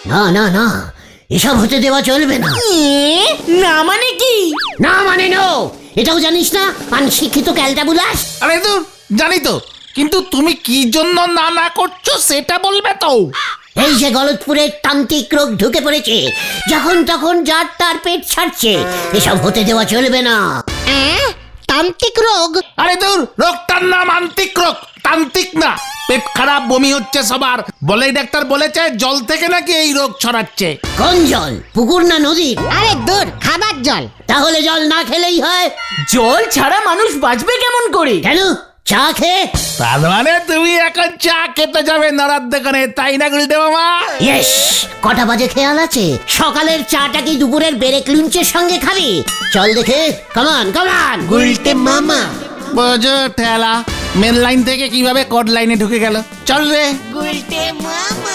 না না না, এসব হতে দেওয়া চলবে না। না মানে কি? না মানে নো, এটাও জানিস না অনশিক্ষিত ক্যালটাবুলাস? আরে তো জানি তো, কিন্তু তুমি কি জন্য না না করছো সেটা বলবে তো। এই যে গলতপুরের তান্ত্রিক রোগ ঢুকে পড়েছে, যখন তখন যার তার পেট ছাড়ছে, এসব হতে দেওয়া চলবে না। তান্ত্রিক রোগ? আরে দূর, রোগটার নাম আন্তিক রোগ, তান্ত্রিক না। পেট খারাপ, বমি হচ্ছে সবার, বলেই ডাক্তার বলেছে জল থেকে নাকি এই রোগ ছড়াচ্ছে। কোন জল, পুকুর না নদীর? আরে দূর, খাবার জল। তাহলে জল না খেলেই হয়। জল ছাড়া মানুষ বাঁচবে কেমন করে? কেন, চা খেয়ে? তার মানে তুমি এখন চা খেতে যাবে নড়ার দোকানে, তাই না গুলটে মামা? ইয়েস, কটা বাজে খেয়াল আছে? সকালের চাটা কি দুপুরের ব্রেক লুঞ্চের সঙ্গে খাবি? চল দেখে, কামান কামান। গুলটে মামা। বোঝো ঠেলা, মেন লাইন থেকে কিভাবে কোড লাইনে ঢুকে গেল। চল রে। গুলটে মামা।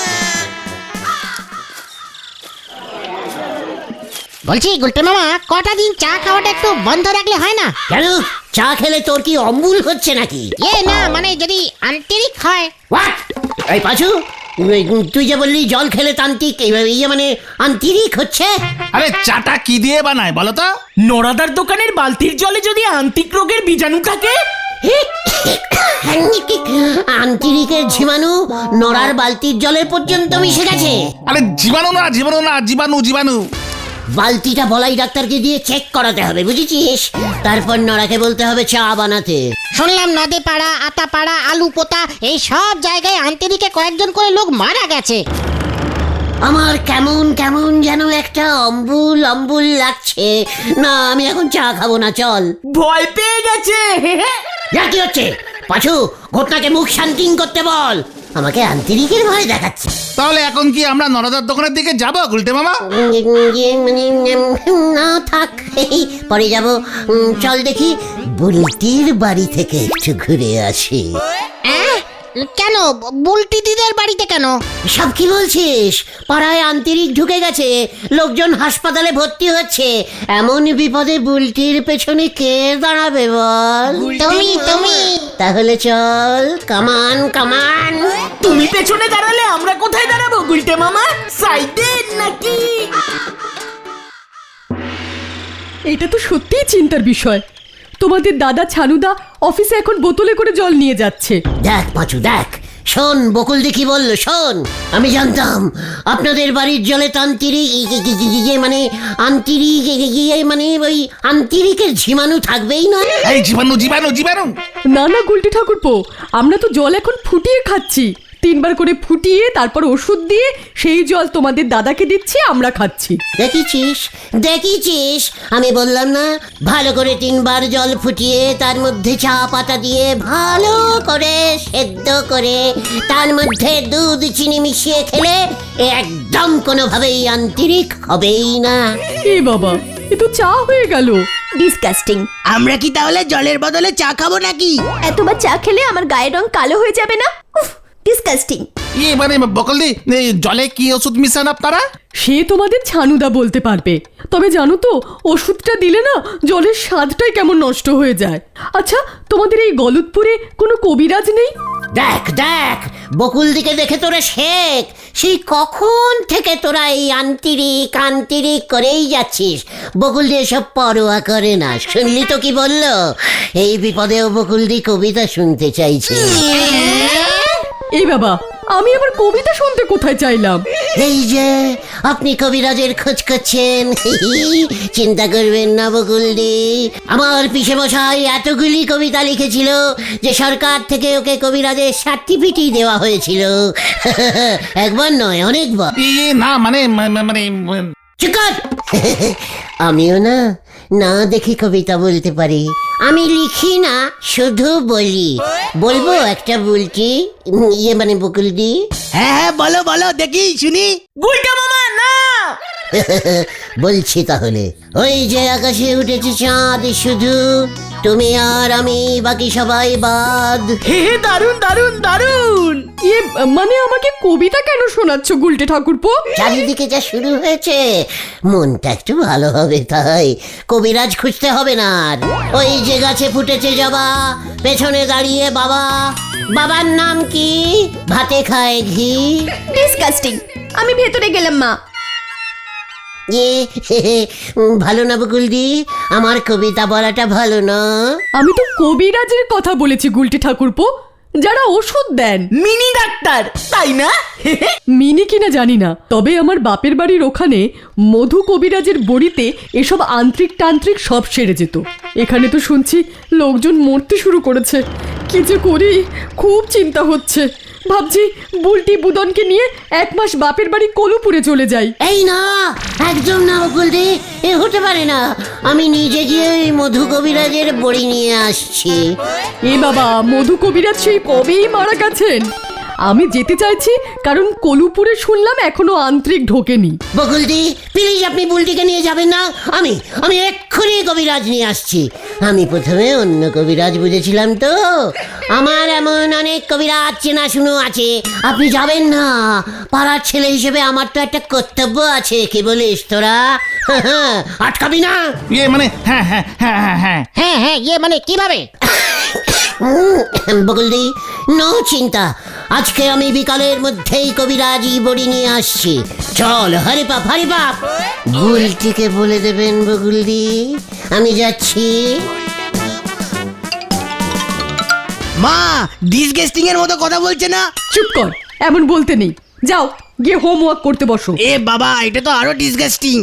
বলছি গুলটে মামা, কটা দিন চা খাওয়াটা একটু বন্ধ রাখলে হয় না? কেন, চা খেলে তোর কি অম্বুল হচ্ছে নাকি? না, মানে যদি আন্তরিক হয়। হোয়াট? এই পাঁচু, তুই যে বললি জল খেলে তান্ত্রিক, ইয়ে মানে আন্তরিক হচ্ছে। আরে চাটা কি দিয়ে বানায় বলো তো? নড়াদার দোকানের বালতির জলে যদি আন্তিক রোগের বীজাণু থাকে? আন্তরিকের জীবাণু নড়ার বালতির জলের পর্যন্ত মিশে গেছে। আরে জীবাণু না, জীবাণু না, জীবাণু জীবাণু। বালতিটা বলাই ডাক্তারকে দিয়ে চেক করাতে হবে, বুঝেছিস? তারপর নড়াকে বলতে হবে চা বানাতে। শুনলাম নদী পাড়া, আতা পাড়া, আলু পোতা, এই সব জায়গায় আন্তরিকে কয়েকজন করে লোক মারা গেছে। আমার কেমন কেমন যেন একটা অম্বুল অম্বুল লাগছে। না, আমি এখন চা খাবো না, চল। ভয় পেয়ে গেছে। কি হচ্ছে? পাঁচু, ঘটনাকে মুখ শান্তি করতে বল। আমাকে আন্তরিকের ভয় দেখাচ্ছে। তাহলে এখন কি আমরা নরদার দোকানের দিকে যাবো গুলটে মামা? না থাক, এই পরে যাব। চল দেখি, বুলটির বাড়ি থেকে একটু ঘুরে আসি। কেন, বুলটি দিদের বাড়িতে কেন? সব কি বলছিস? পাড়ায় আন্তরিক ঢুকে গেছে, লোকজন হাসপাতালে ভর্তি হচ্ছে। এমন বিপদে বুলটির পেছনে কে দাঁড়াবে বল? তুমি। তাহলে চল, কামান কামান। তুমি পেছনে দাঁড়ালে আমরা কোথায় দাঁড়াবো গুলটে মামা? সাইডে নাকি? এটা তো সত্যিই চিন্তার বিষয়। তোমাদের দাদা ছানুদা অফিসে এখন বোতলে করে জল নিয়ে যাচ্ছে। দেখ পাঁচু, দেখ, শোন বকুল দি কি বললো, শোন। আমি জানতাম আপনাদের বাড়ির জলে তান্ত্রিক মানে আন্তরিক মানে ওই আন্তরিকের জীবাণু থাকবেই না। এই জীবাণু জীবাণু জীবাণু। না না গুলটি ঠাকুরপো, আমরা তো জল এখন ফুটিয়ে খাচ্ছি। 3 বার করে ফুটিয়ে তারপর ওষুধ দিয়ে সেই জল তোমাদের দাদাকে দিচ্ছি, আমরা খাচ্ছি। দেখেছিস দেখেছিস, আমি বললাম না, ভালো করে 3 বার জল ফুটিয়ে তার মধ্যে চা পাতা দিয়ে ভালো করে সেদ্ধ করে তার মধ্যে দুধ চিনি মিশিয়ে খেলে একদম কোনোভাবেই আন্তরিক হবেই না। এ বাবা, এ তো চা হয়ে গেল। ডিসকাস্টিং। আমরা কি তাহলে জলের বদলে চা খাবো নাকি? এতবার চা খেলে আমার গায়ের রং কালো হয়ে যাবে না? উফ, ডিসকাস্টিং। মানে বকলদি, জলে কি ওষুধ মিশান আপনারা? সে তোমাদের ছানুদা বলতে পারবে। তবে জানো তো, ওষুধটা দিলে না জলের স্বাদটাই কেমন নষ্ট হয়ে যায়। আচ্ছা, তোমাদের এই গলতপুরে কোনো কবিরাজ নেই? দেখ দেখ, বকুল দিকে দেখে তোরা শেখ। সেই কখন থেকে তোরা এই আন্তরিক করেই যাচ্ছিস। বকুল দিয়ে সব পরোয়া করে না। শুনলি তো কি বললো? এই বিপদেও বকুল দি কবিতা শুনতে চাইছে। এই বাবা, আমি আবার কবিতা শুনতে কোথায় চাইলাম? এই যে আপনি কবিরাজের খোঁজ করছেন, চিন্তা করবেন না বকুলদি। আমার পিসে মশাই এতগুলি কবিতা লিখেছিল যে সরকার থেকে ওকে কবিরাজের সার্টিফিকেট দেওয়া হয়েছিল। একবার নয়, অনেকবার। না মানে মানে চুপ কর। আমিও না না দেখে কবিতা বলতে পারি। আমি লিখি না, শুধু বলি। বলবো একটা বলছি, মানে বকুলদি? হ্যাঁ বলো বলো, দেখি শুনি। গুলটে মামা না। বলছি তাহলে। ওই যে আকাশে উঠেছে চাঁদ শুধু, তুমি আর আমি, বাকি সবাই বাদ। হে দারুন দারুন দারুন। মানে আমাকে কবিতা কেন শোনাচ্ছ গুলটে ঠাকুরপো? চারিদিকে যা শুরু হয়েছে, মনটা একটু ভালো হবে, তাই কবিরাজ খুঁজতে হবে না আর। ওই যে গাছে ফুটেছে জবা, পেছনে দাঁড়িয়ে বাবা। বাবার নাম কি? ভাতে খায় ঘি। ডিসকাস্টিং। আমি ভেতরে গেলাম মা। ভালো না বকুলদি, আমার কবিতা বলাটা ভালো না? আমি তো কবিরাজের কথা বলেছি গুলটে ঠাকুরপো, যারা ওষুধ দেন। মিনি ডাক্তার তাই না? মিনি কিনা জানি না, তবে আমার বাপের বাড়ির ওখানে মধু কবিরাজের বড়িতে এসব আন্ত্রিক তান্ত্রিক সব সেরে যেত। এখানে তো শুনছি লোকজন মরতে শুরু করেছে। কি যে করি, খুব চিন্তা হচ্ছে। ভাবছি বুলটি বুদনকে নিয়ে 1 মাস বাপের বাড়ি কলুপুরে চলে যাই। এই না, একদম না বকুলদি, এ হতে পারে না। আমি নিজে গিয়ে ওই মধু কবিরাজের বড়ি নিয়ে আসছি। এ বাবা, মধু কবিরাজ সেই কবেই মারা গেছেন। আমি যেতে চাইছি কারণ কলুপুরে শুনলাম এখনো আন্ত্রিক ঢোকেনি। বকুলদি প্লিজ, আপনি বুলটিকে নিয়ে যাবেন না। আমি এক্ষুনি কবিরাজ নিয়ে আসছি। আমি প্রথমে অন্য কবিরাজ বুঝেছিলাম তো। আমার এমন অনেক কবিরাজ চেনা শুনো আছে, আপনি যাবেন না। পাড়ার ছেলে হিসেবে আমার তো একটা কর্তব্য আছে। কি বলিস তোরা? আটকাবি না? ইয়ে মানে হ্যাঁ হ্যাঁ হ্যাঁ হ্যাঁ হ্যাঁ হ্যাঁ হ্যাঁ, ইয়ে মানে কিভাবে? বকুলদি নো চিন্তা, আজকে আমি বিকালের মধ্যেই কবিরাজি বড়ি নিয়ে আসছি। চল হরে বাপ, হরে বাপ। বুলটিকে বলে দেবেন বকুলদি, আমি যাচ্ছি। মা ডিসগেস্টিং এর মতো কথা বলছে না? চুপ কর, এমন বলতে নেই। যাও গিয়ে হোমওয়ার্ক করতে বসো। এ বাবা, এটা তো আরো ডিসগেস্টিং।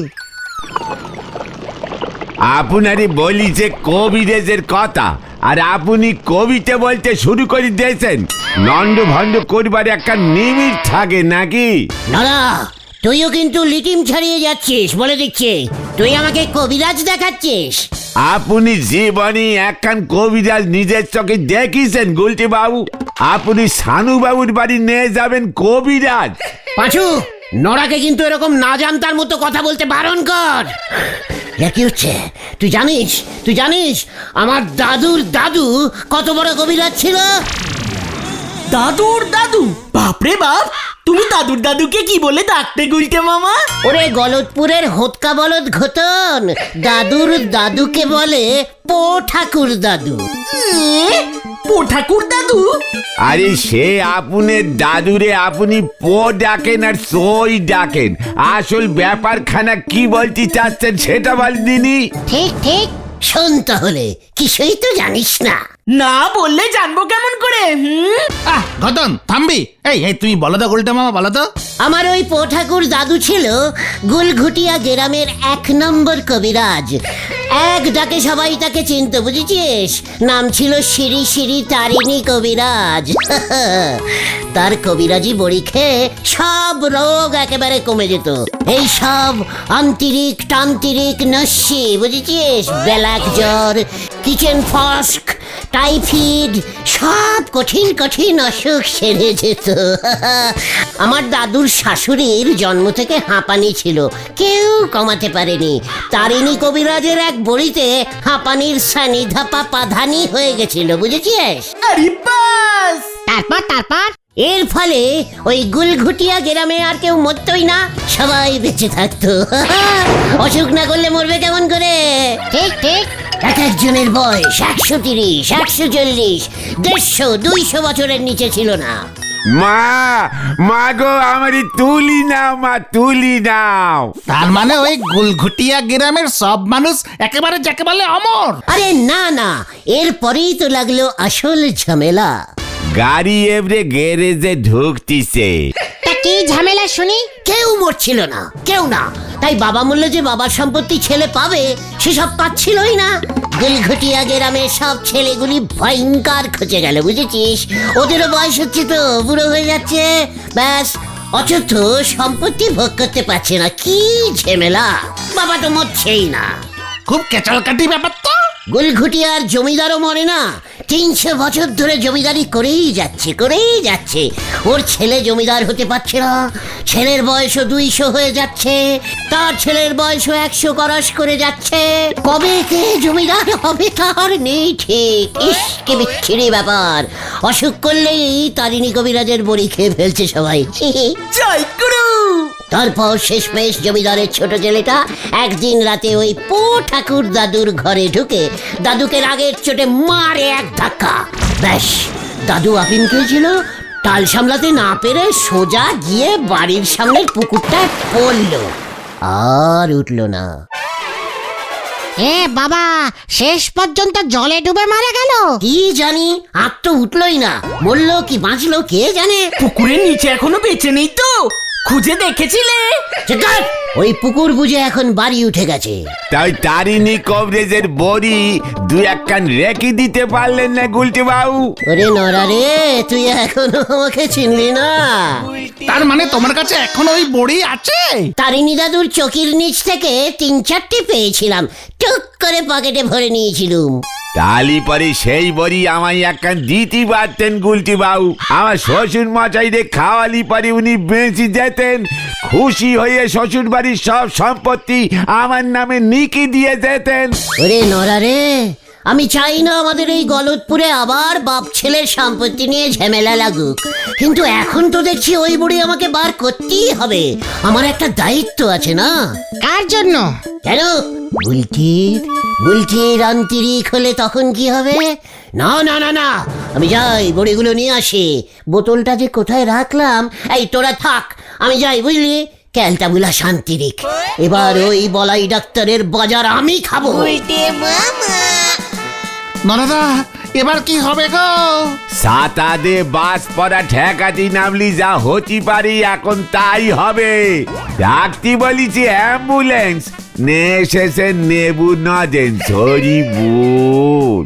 আপনারই বলি যে কবিরাজের কথা, আর আপনি কবিতা বলতে শুরু করে দিয়েছেন। নন্দ ভন্ড করবার একটা নিমিট থাকে নাকি? দাদা, তুইও কিন্তু লিটিম ছাড়িয়ে যাচ্ছিস বলে দিচ্ছি। তুই আমাকে কবিরাজ দেখাচ্ছিস? আপনি জীবনে একখান কবিরাজ নিজের চোখে দেখিয়েছেন গুলটি বাবু? আপনি সানু বাবুর বাড়ি নিয়ে যাবেন কবিরাজ? পাঁচু, নড়াকে কিন্তু এরকম না জানতার মতো কথা বলতে বারণ কর। কি হচ্ছে? তুই জানিস আমার দাদুর দাদু কত বড় কবিরাজ ছিল? দাদুর দাদু? বাপরে বাপ, তুমি দাদুর দাদুকে কি বলে ডাকতে গুলটে মামা? ওরে গলতপুরের হোতকা বলদ ঘটন, দাদুর দাদুকে বলে পো ঠাকুর দাদু। পো ঠাকুর দাদু? আরে সে আপনার দাদুরে আপনি পো ডাকেন আর সই ডাকেন। আসল ব্যাপারখানা কি বলতে চাচ্ছেন সেটা বলদিনি। ঠিক ঠিক। শোন তাহলে, কিছুই তো জানিস না। না বললে জানবো কেমন করে? ঘটন থামবি। এই এই তুমি বলো তো গুলটে মামা, বলো তো। আমার ওই পো ঠাকুর দাদু ছিল গুলঘুটিয়া গ্রামের 1 নম্বর কবিরাজ। এক ডাকে সবাই তাকে চিনতো, বুঝেছিস? নাম ছিল শ্রী শ্রী তারিণী কবিরাজ। তার কবিরাজি বড়ি খেয়ে সব রোগ একেবারে কমে যেত। এই সব আন্তরিক তান্ত্রিক নস্যি, বুঝেছিস? ব্ল্যাক জ্বর, কিচেন ফস্ক, টাইফয়েড, সব কঠিন কঠিন অসুখ সেরে যেত। আমার দাদুর শাশুড়ির জন্ম থেকে হাঁপানি ছিল, কেউ কমাতে পারেনি। তারিণী কবিরাজের এক বড়িতে হাঁপানির সানি ধাপা পাধানি হয়ে গেছিল, বুঝেছিস? আরে বাস! তারপর এর ফলে ওই গুলঘুটিয়া গ্রামে আর কেউ মরতই না, সবাই বেঁচে থাকতো। অসুখ না করলে মরবে কেমন করে? ঠিক ঠিক। এক একজনের বয়স 130, 140, 150, 200 বছরের নিচে ছিল না। মা গো, আমারই তুলি নাও মা, তুলি নাও। তার মানে ওই গুলঘুটিয়া গ্রামের সব মানুষ একেবারে যাকে বলে অমর? আরে না, এরপরেই তো লাগলো আসল ঝামেলা। গাড়ি এবারে গ্যারেজে ঢুকতিছে। তা কি ঝামেলা শুনি? কেউ মরছিল না, কেউ না। তাই বাবা বললো যে বাবার সম্পত্তি ছেলে পাবে, সেসব পাচ্ছিলই না। গুলঘুটিয়া গ্রামের সব ছেলেগুলি ভয়ঙ্কর খচে গেল, বুঝেছিস? ওদেরও বয়স হচ্ছে তো, বুড়ো হয়ে যাচ্ছে, ব্যাস। অথচ সম্পত্তি ভোগ করতে পারছে না। কি ঝামেলা! বাবা তো মরছেই না। খুব কেচালকাটি ব্যাপার তো। গুলঘুটিয়ার জমিদারও মরে না, 300 বছর ধরে জমিদারি করেই যাচ্ছে। ওর ছেলে জমিদার হতে পারছে না। ছেলের বয়সও 200 হয়ে যাচ্ছে, তার ছেলের বয়সও 100 ক্রস করে যাচ্ছে। কবে কে জমিদার হবে তার নেই ঠিক। ইস, কি বিচ্ছিরি ব্যাপার! অসুখ করলেই তারিণী কবিরাজের বড়ি খেয়ে ফেলছে সবাই। জয় গুরু! তারপর শেষমেশ জমিদারের ছোট ছেলেটা একদিন রাতে ওই পো ঠাকুর দাদুর ঘরে ঢুকে দাদুকে রাগের চোটে মারে এক ধাক্কা। ব্যাস, দাদু আপিন খেয়েছিল, টাল সামলাতে না পেরে সোজা গিয়ে বাড়ির সামনের পুকুরটা পড়লো, আর উঠলো না। এ বাবা, শেষ পর্যন্ত জলে ডুবে মারা গেল। কি জানি, আর তো উঠলোই না, মরলো কি বাঁচলো কে জানে। পুকুরের নিচে এখনো বেঁচে নেই তো? খুঁজে দেখেছিলে? চিৎকার! ওই পুকুর বুঝে এখন বাড়ি উঠে গেছে। তাই তারিণী কবিরাজের বড়ি দু এক কান রেখে দিতে পারলেন না গুলটে বাবু? ওরে নরা রে, তুই এখনো আমাকে চিনলি না? তার মানে তোমার কাছে এখন ওই বড়ি আছে? তারিণী দাদুর চকির নিচ থেকে 3-4টে পেয়েছিলাম, টুক করে পকেটে ভরে নিয়েছিলুম। তালি পরে সেই বড়ি আমায় এক কান দিতে পারতেন গুলটি বাবু। আমার শ্বশুর মশাই রে খাওয়ালি পরে উনি বেঁচে যেতেন, খুশি হয়ে শ্বশুর বাড়ির সব সম্পত্তি আমার নামে নিকি দিয়ে যেতেন। ওরে নরা রে, আমি চাই না আমাদের এই গলতপুরে আবার বাপ ছেলের সম্পত্তি নিয়ে ঝামেলা লাগুক, কিন্তু এখন তো দেখছি ওই বুড়ি আমাকে বার করতেই হবে। আমার একটা দায়িত্ব আছে না? কার জন্য? কেন? বুলটির আন্তরিক হলে তখন কি হবে? না না না না, আমি যাই বড়িগুলো নিয়ে আসি। বোতলটা যে কোথায় রাখলাম, এই তোরা থাক, আমি যাই বুঝলি। ক্যালটাবুলা শান্তিরিক, এবার ওই বলাই ডাক্তারের বাজার আমি খাবো। নরদা, এবার কি হবে গো? সাতাদে বাস পড়া ঠেকাতি নামলি যা হতে পারি এখন তাই হবে। ডাকতি বলিছি অ্যাম্বুলেন্স, নে এসেছে নেবু নজেন সরি বুল।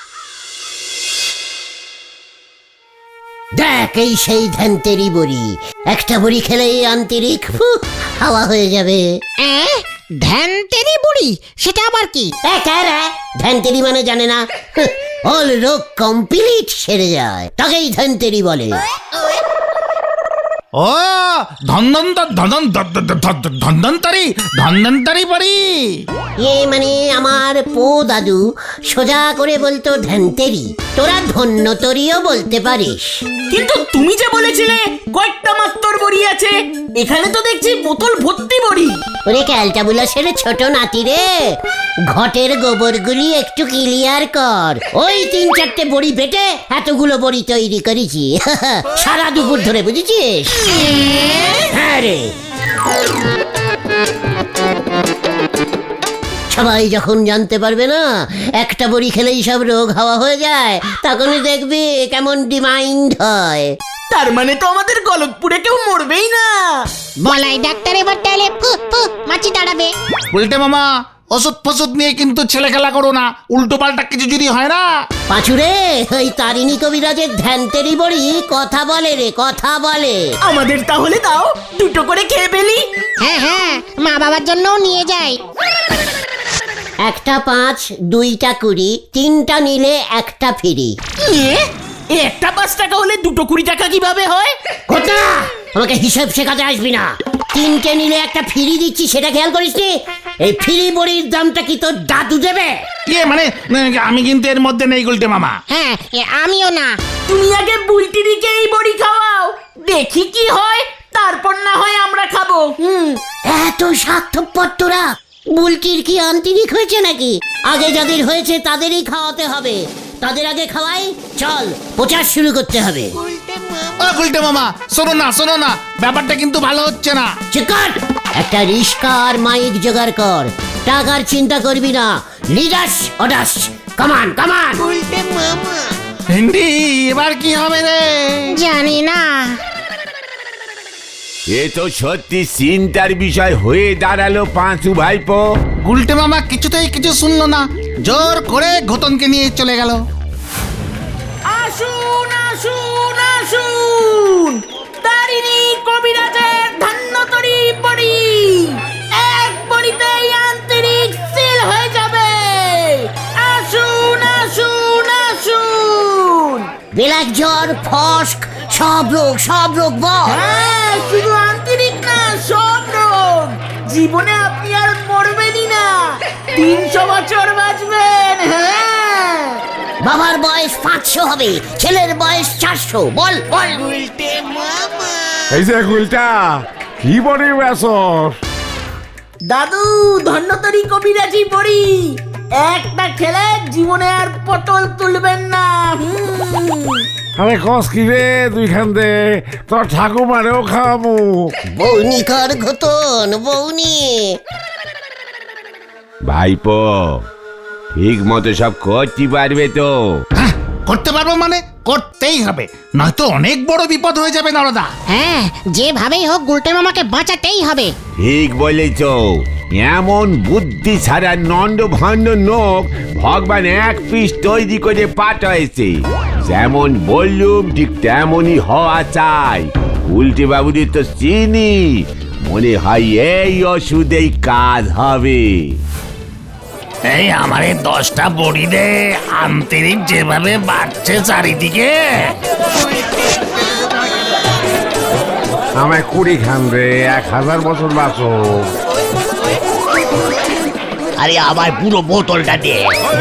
দেখ, এই সেই ধ্যানতেরি বড়ি, একটা বড়ি খেলেই আন্তরিক হাওয়া হয়ে যাবে। ধ্যানতেরি বুড়ি, সেটা আবার কি? ধ্যানতেরি মানে জানে না? অল রোগ কমপ্লিট সেরে যায়, তাকেই ধ্যানতেরি বলে। ও ধন্বন্তরি বড়ি। মানে আমার পো দাদু সোজা করে বলতো ধ্যানতেরি, তোরা ধন্যতরিও বলতে পারিস। কিন্তু তুমি যে বলেছিলে কয়েকটা মাত্র বড়ি আছে, এখানে তো দেখছি বোতল ভর্তি বড়ি। ওরে ক্যালটাবুলাসের ছোট নাতি রে, ঘটের গোবরগুলি একটু ক্লিয়ার কর। ওই 3-4টে বড়ি বেটে এতগুলো বড়ি তৈরি করেছি সারা দুপুর ধরে, বুঝেছিস? হ্যাঁ রে, সবাই যখন জানতে পারবে না একটা বড়ি খেলেই সব রোগ হাওয়া হয়ে যায়, তখনই দেখবি কেমন ডিমাইন্ড হয়। তার মানে তো আমাদের গলতপুরে কেউ মরবেই না। বলাই ডাক্তার এবার তাহলে মাছি দাঁড়াবে। উল্টে মামা, ওষুধ ফসুদ নিয়ে কিন্তু ছেলে খেলা করো না, উল্টো পাল্টা কিছু যদি হয় না। পাঁচুরে, ওই তারিণী কবিরাজের ধ্যানতেরি বড়ি কথা বলে রে, কথা বলে। আমাদের তাহলে দাও, দুটো করে খেয়ে ফেলি। হ্যাঁ হ্যাঁ, মা বাবার জন্যও নিয়ে যাই। একটা 5, 2টা 20, 3টা নিলে একটা ফ্রি। একটা 5 টাকা হলে দুটো 20 টাকা কিভাবে হয়? কথা আমাকে হিসাব শেখাতে আসবি না। 3টে নিলে একটা ফ্রি দিচ্ছি, সেটা খেয়াল করিস নি? এই ফ্রি বড়ির দামটা কি তোর দাদু দেবে? মানে আমি কিন্তু এর মধ্যে নেই গুলটে মামা। হ্যাঁ, আমিও না। তুমি আগে বুলটিদিকে এই বড়ি খাওয়াও, দেখি কি হয়, তারপর না হয় আমরা খাবো। এত স্বার্থপর তোরা। বুলটির কি আন্তরিক হয়েছে নাকি? আগে যাদের হয়েছে তাদেরই খাওয়াতে হবে। তাদের আগে খাওয়াই, চল প্রচার শুরু করতে হবে। ও গুলটে মামা, শোনো না, ব্যাপারটা কিন্তু ভালো হচ্ছে না। চিকট, একটা রিস্কা আর মাইক জোগাড় কর। টাকার চিন্তা করবি না, লিডাস অডাস, কামান কামান। হিন্দি, এবার কি হবে রে? জানি না। এ তো সত্যি চিন্তার বিষয় হয়ে দাঁড়ালো পাঁচু ভাইপো। গুলটে মামা কিছুতেই কিছু শুনলো না, জোর করে ঘটনকে নিয়ে চলে গেল। আসুন আসুন আসুন, তারিণী কবিরাজের ধন্যতরী বড়ি, এক বড়িতেই আন্তরিক সিল হয়ে যাবে। আসুন আসুন আসুন। ব্ল্যাক জ্বর, ফস্ক, সব রোগ বল। হ্যাঁ, শুধু আন্তরিক না, সব রোগ। জীবনে আপনি আর মরবেনই না, 300 বছর বাঁচবেন। হ্যাঁ, বাবার বয়স 500 হবে, ছেলের বয়স 400। বল বল। এই যে গুলটা, কি বড়ি বেসর? দাদু ধন্যতরী কবিরাজি বড়ি, একটা খেলে জীবনে আর পটল তুলবেন না। আরে কস কি রে তুইখান দে তোর ঠাকুমারেও খাওয়ামু। বৌনি কর ঘটন বৌনি। ভাইপো ঠিক মতো সব করতে পারবে তো? হ্যাঁ, করতে পারবো মানে করতেই হবে, নয়তো অনেক বড় বিপদ হয়ে যাবে নরদা। হ্যাঁ, যেভাবেই হোক গুলটে মামাকে বাঁচাতেই হবে। ঠিক বলেছ, এমন বুদ্ধি ছাড়া নন্দ ভণ্ড নোক ভগবান এক পিস তৈরি করে পাঠাইছে। যেমন বললুম ঠিক তেমনই হওয়া চাই। উল্টে বাবুদের তো চিনি, মনে হয় এই ওষুধেই কাজ হবে। এই আমারে 10টা বড়ি দে, আন্তরিক যেভাবে বাড়ছে চারিদিকে। আমায় 20 খান রে, 1000 বছর বাঁচো। আরে আমার পুরো বোতলটা দে।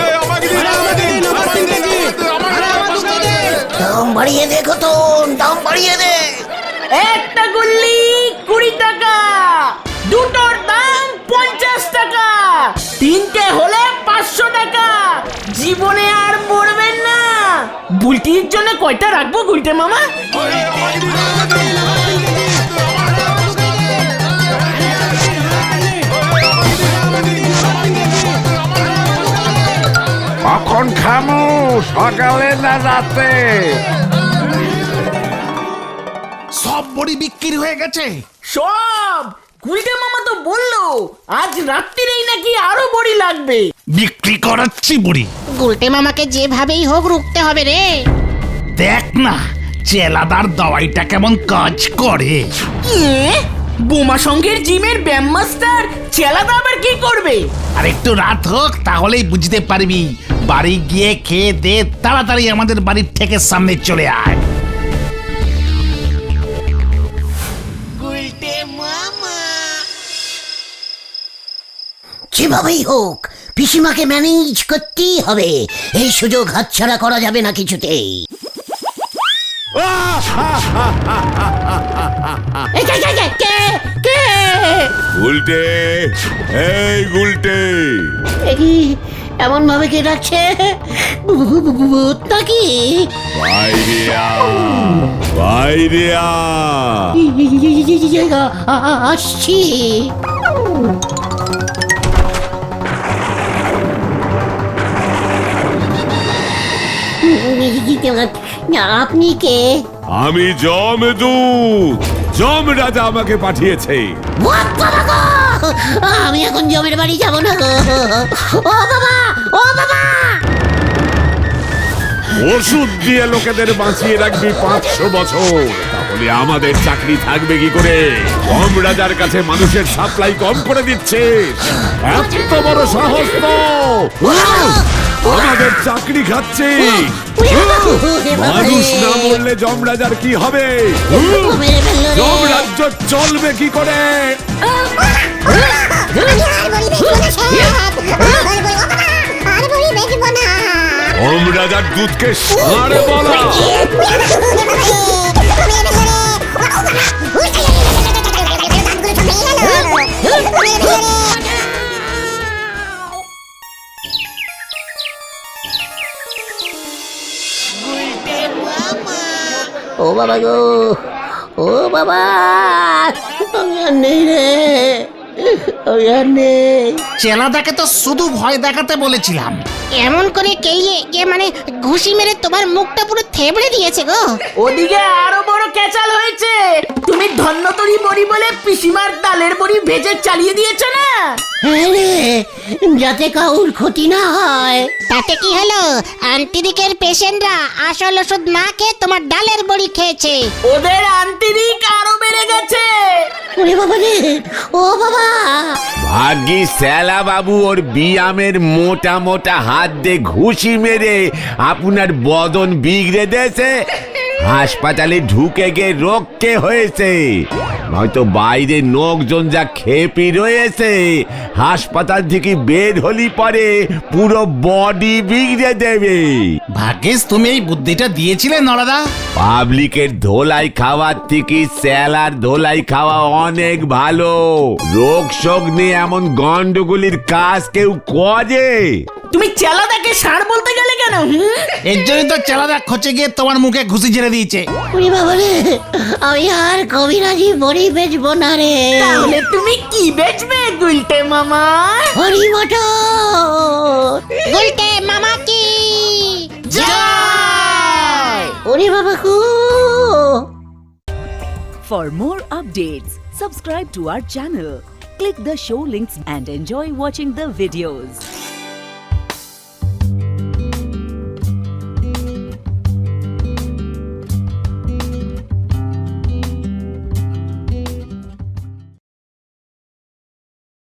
দাম বাড়িয়ে দে ঘটন, দাম বাড়িয়ে দে। একটা গুল্লি 20 টাকা, দুটোর দাম 50 টাকা, তিনটে হলে 500 টাকা। জীবনে আর মরবেন না। বুলটির জন্য কয়টা রাখবো গুলটে মামা? কখন খামু, সকালে না রাতে? সব বড়ি বিক্রি হয়ে গেছে। সব গুলটে মামা তো বললো আজ রাত্রিরেই নাকি আরো বড়ি লাগবে। বিক্রি করাচ্ছি বুড়ি। গুলটে মামাকে যেভাবেই হোক রুখতে হবে রে। দেখ না চেলাদার দাওয়াইটা কেমন কাজ করে। বোমা সঙ্গের জিমের ব্যায়াম মাস্টার চেলাদা আবার কি করবে? আর একটু রাত হোক তাহলেই বুঝতে পারবি। বাড়ি গিয়ে খেয়ে দে, তাড়াতাড়ি আমাদের বাড়ির থেকে সামনে চলে আয়। যেভাবেই হোক পিসিমাকে ম্যানেজ করতেই হবে। এই সুযোগ হাতছাড়া করা যাবে না কিছুতেই। এই কে, কে, কে, কে, কে? গুলটে, এই গুলটে। এ কি এমন ভাবে কে ডাকছে? ভূত নাকি? বাইরে আ, বাইরে আ। আসছি। আপনি কে? আমি জমদূত, যমরাজা আমাকে পাঠিয়েছে। বাবা গো! আমি এখন জমের বাড়ি যাব না গো। ও বাবা, ও বাবা! ওষুধ দিয়ে লোকেদের বাঁচিয়ে রাখবি 500 বছর, তাহলে আমাদের চাকরি থাকবে কি করে? যমরাজার কাছে মানুষের সাপ্লাই কম করে দিচ্ছে। এত বড় সাহস তো! আমাদের চাকরি খাচ্ছে। মানুষ না মরলে যমরাজার কি হবে? যমরাজ্য চলবে কি করে? যমরাজার দুধকে ষাঁড় বলা। ও বাবা গো, ও বাবা! আমি আর নেই রে, আমি আর নেই। চেলাদাকে তো শুধু ভয় দেখাতে বলেছিলাম। এমন করে কেলিয়ে যে মানে ঘুষি মেরে তোমার মুখটা পুরো থেবড়ে দিয়েছে গো। ওদিকে আরো বড় ক্যাচাল হয়েছে। তুমি ধন্যতরী বড়ি বলে পিসিমার ডালের বড়ি ভেজে চালিয়ে দিয়েছ না? হ্যাঁ রে, যাতে কাউর ক্ষতি না হয়। তাতে কি হলো? আন্টিদিকের পেশেন্টরা আসল ওষুধ না খেয়ে তোমার ডালের বড়ি খেয়েছে। ওদের আন্তরিক আরো বেড়ে গেছে। ওরে বাবা রে, ও বাবা! ভাগ্যি শ্যালা বাবু ওর বিয়ামের মোটা মোটা হাত দিয়ে ঘুষি মেরে আপনার বদন বিগড়ে দিয়েছে। হাসপাতালে ঢুকে গিয়ে রোগকে হয়েছে, নয়তো বাইরে লোকজন যা খেপি রয়েছে, হাসপাতাল থেকে বের হলি পরে পুরো বডি বিগড়ে দেবে। ভাগ্যিস তুমি এই বুদ্ধিটা দিয়েছিলে নরদা। পাবলিকের ধোলাই খাওয়ার থেকে স্যালার ধোলাই খাওয়া অনেক ভালো। রোগ শোক নিয়ে এমন গন্ডগোলের কাজ কেউ করে? তুমি চেলাদাকে ষাঁড় বলতে গেলে কেন? কেন হুম? এর জন্যই তো চেলাদা খচে গিয়ে তোমার মুখে ঘুষি ঝেড়ে দিয়েছে। ওরে বাবা রে, আমি আর কবিরাজি বড়ি বেচবো না রে। তাহলে তুমি কি বেচবে গুলটে মামা? হরি মটর। গুলটে মামা কি ওরে বাবা কু। For more updates, subscribe to our channel, click the show links and enjoy watching the videos.